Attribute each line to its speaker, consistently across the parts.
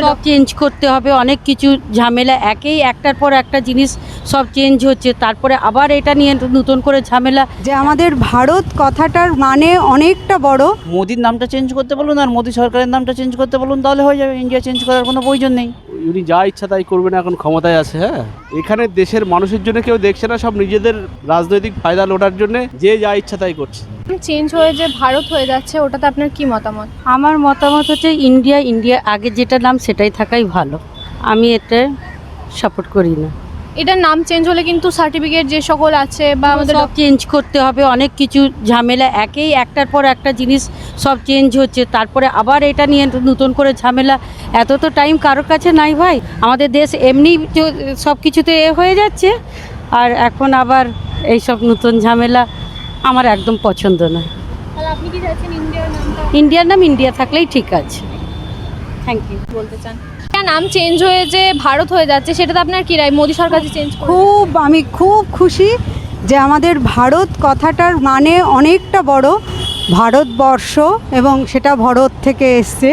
Speaker 1: সব চেঞ্জ করতে হবে, অনেক কিছু ঝামেলা, একটার পর একটা জিনিস সব চেঞ্জ হচ্ছে, তারপরে আবার এটা নিয়ে নতুন করে ঝামেলা।
Speaker 2: যে আমাদের ভারত কথাটার মানে অনেকটা বড়।
Speaker 3: মোদির নামটা চেঞ্জ করতে বলুন আর মোদি সরকারের নামটা চেঞ্জ করতে বলুন, তাহলে হয়ে যাবে। ইন্ডিয়া চেঞ্জ করার কোনো প্রয়োজন নেই।
Speaker 4: উনি যা ইচ্ছা তাই করবেন, এখন ক্ষমতায় আছে। হ্যাঁ, এখানে দেশের মানুষের জন্য কেউ দেখছে না, সব নিজেদের রাজনৈতিক ফায়দা লোটার জন্য যে যা ইচ্ছা তাই করছে।
Speaker 5: চেঞ্জ হয়ে যে ভারত হয়ে যাচ্ছে, ওটাতে আপনার কি মতামত?
Speaker 1: আমার মতামত হচ্ছে ইন্ডিয়া আগে যেটা নাম সেটাই থাকাই ভালো। আমি এটা সাপোর্ট করি না।
Speaker 5: এটার নাম চেঞ্জ হলে কিন্তু সার্টিফিকেট যে সকল আছে বা আমাদের
Speaker 1: সব চেঞ্জ করতে হবে, অনেক কিছু ঝামেলা, একটার পর একটা জিনিস সব চেঞ্জ হচ্ছে, তারপরে আবার এটা নিয়ে নতুন করে ঝামেলা। এত তো টাইম কারোর কাছে নাই ভাই। আমাদের দেশ এমনি সব কিছুতে হয়ে যাচ্ছে, আর এখন আবার এই সব নতুন ঝামেলা আমার একদম পছন্দ না।
Speaker 5: তাহলে আপনি কি চাইছেন ইন্ডিয়ার নামটা
Speaker 1: ইন্ডিয়ার নাম ইন্ডিয়া থাকলেই ঠিক আছে। Thank you.
Speaker 5: বলতে চান? ইন্ডিয়ার নাম চেঞ্জ হয়ে যে ভারত হয়ে যাচ্ছে, সেটাতে আপনার কি রায়? মোদি সরকার যে চেঞ্জ করে,
Speaker 2: আমি খুব খুশি যে আমাদের ভারত কথাটার মানে অনেকটা বড়, ভারতবর্ষ, এবং সেটা ভারত থেকে এসছে।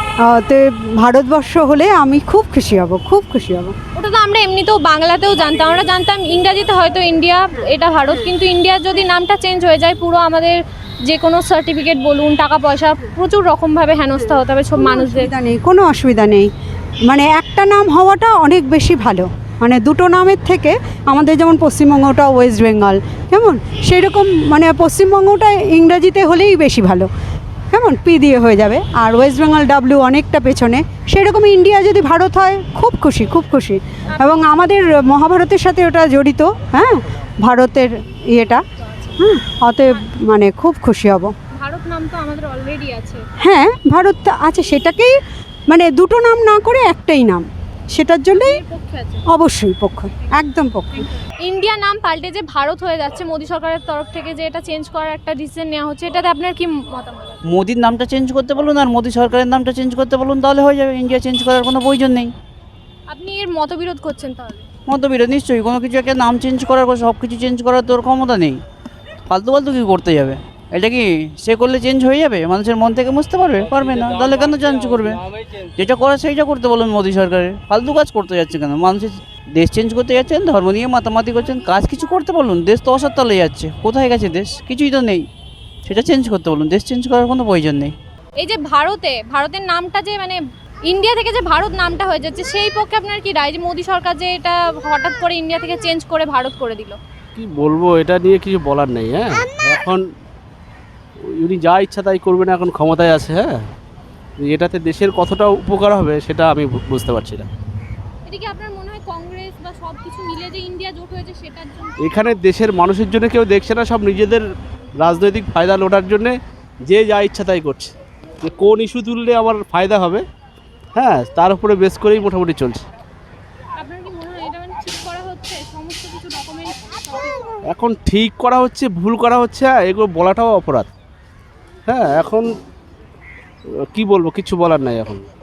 Speaker 2: তো ভারতবর্ষ হলে আমি খুব খুশি হব, খুব খুশি হব।
Speaker 5: ওটা তো আমরা এমনিতেও বাংলাতেও জানতাম, আমরা জানতাম ইংরাজিতে হয়তো ইন্ডিয়া, এটা ভারত, কিন্তু ইন্ডিয়ার যদি নামটা চেঞ্জ হয়ে যায়, পুরো আমাদের যে কোনো সার্টিফিকেট বলুন, টাকা পয়সা, প্রচুর রকমভাবে হেনস্থা হতে হবে সব মানুষদের।
Speaker 2: অসুবিধা নেই, কোনো অসুবিধা নেই। মানে একটা নাম হওয়াটা অনেক বেশি ভালো। মানে দুটো নামের থেকে আমাদের যেমন পশ্চিমবঙ্গটা ওয়েস্ট বেঙ্গল, কেমন সেই রকম, মানে পশ্চিমবঙ্গটা ইংরাজিতে হলেই বেশি ভালো, কেমন পি দিয়ে হয়ে যাবে, আর ওয়েস্ট বেঙ্গল ডাব্লিউ অনেকটা পেছনে। সেরকম ইন্ডিয়া যদি ভারত হয়, খুব খুশি, খুব খুশি। এবং আমাদের মহাভারতের সাথে ওটা জড়িত, হ্যাঁ, ভারতের ইয়েটা, হ্যাঁ, অতএব মানে খুব খুশি হব।
Speaker 5: ভারত নাম তো আমাদের অলরেডি আছে।
Speaker 2: হ্যাঁ, ভারত আছে, সেটাকেই মানে দুটো নাম না করে একটাই নাম, সেটার জন্যই
Speaker 5: পক্ষে আছে
Speaker 2: অবশ্যই পক্ষ, একদম পক্ষ।
Speaker 5: ইন্ডিয়া নাম পাল্টে যে ভারত হয়ে যাচ্ছে, মোদি সরকারের তরফ থেকে যে এটা চেঞ্জ করার একটা ডিসিশন নেওয়া হচ্ছে, এটাতে আপনার কি মতামত?
Speaker 3: মোদির নামটা চেঞ্জ করতে বলুন আর মোদি সরকারের নামটা চেঞ্জ করতে বলুন, তাহলে হয়ে যাবে। ইন্ডিয়া চেঞ্জ করার কোনো প্রয়োজন নেই।
Speaker 5: আপনি এর মতবিরোধ করছেন তাহলে?
Speaker 3: মতবিরোধ নিশ্চয়ই। কোনো কিছু একটা নাম চেঞ্জ করার, সব কিছু চেঞ্জ করার তোর ক্ষমতা নেই। ফালতু কি করতে যাবে? এটা কি সে করলে চেঞ্জ হয়ে যাবে? মানুষের মন থেকে বুঝতে পারবে না, তাহলে কেন চেঞ্জ করবে? যেটা করার সেইটা করতে বলুন মোদি সরকারের। ফালতু কাজ করতে যাচ্ছে কেন? মানুষের দেশ চেঞ্জ করতে যাচ্ছেন, ধর্ম নিয়ে মাতামাতি করছেন, কাজ কিছু করতে বলুন। দেশ তো অসত্তলে যাচ্ছে, কোথায় গেছে দেশ? কিছুই তো নেই, সেটা চেঞ্জ করতে বলুন। দেশ চেঞ্জ করার কোনো প্রয়োজন নেই।
Speaker 5: এই যে ভারতের নামটা যে মানে ইন্ডিয়া থেকে যে ভারত নামটা হয়ে যাচ্ছে, সেই পক্ষে আপনার কি রায় যে মোদি সরকার যে এটা হঠাৎ করে ইন্ডিয়া থেকে চেঞ্জ করে ভারত করে দিল?
Speaker 4: কি বলবো, এটা নিয়ে কিছু বলার নেই। হ্যাঁ, এখন উনি যা ইচ্ছা তাই করবেন, এখন ক্ষমতায় আছে। হ্যাঁ, এটাতে দেশের কতটা উপকার হবে সেটা আমি বুঝতে পারছি না।
Speaker 5: এটা কি আপনার মনে হয় কংগ্রেস বা সব কিছু মিলে যে ইন্ডিয়া জোট হয়েছে সেটার জন্য?
Speaker 4: এখানে দেশের মানুষের জন্য কেউ দেখছে না, সব নিজেদের রাজনৈতিক ফায়দা লোটার জন্য যে যা ইচ্ছা তাই করছে। যে কোন ইস্যু তুললে আমার ফায়দা হবে, হ্যাঁ, তার উপরে বেস করেই মোটামুটি চলছে।
Speaker 5: আপনার কি মনে হয় এটা মানে ঠিক করা হচ্ছে সমস্ত কিছু ডকুমেন্ট?
Speaker 4: এখন ঠিক করা হচ্ছে, ভুল করা হচ্ছে, এগুলো বলাটাও অপরাধ। হ্যাঁ, এখন কি বলবো, কিছু বলার নাই এখন।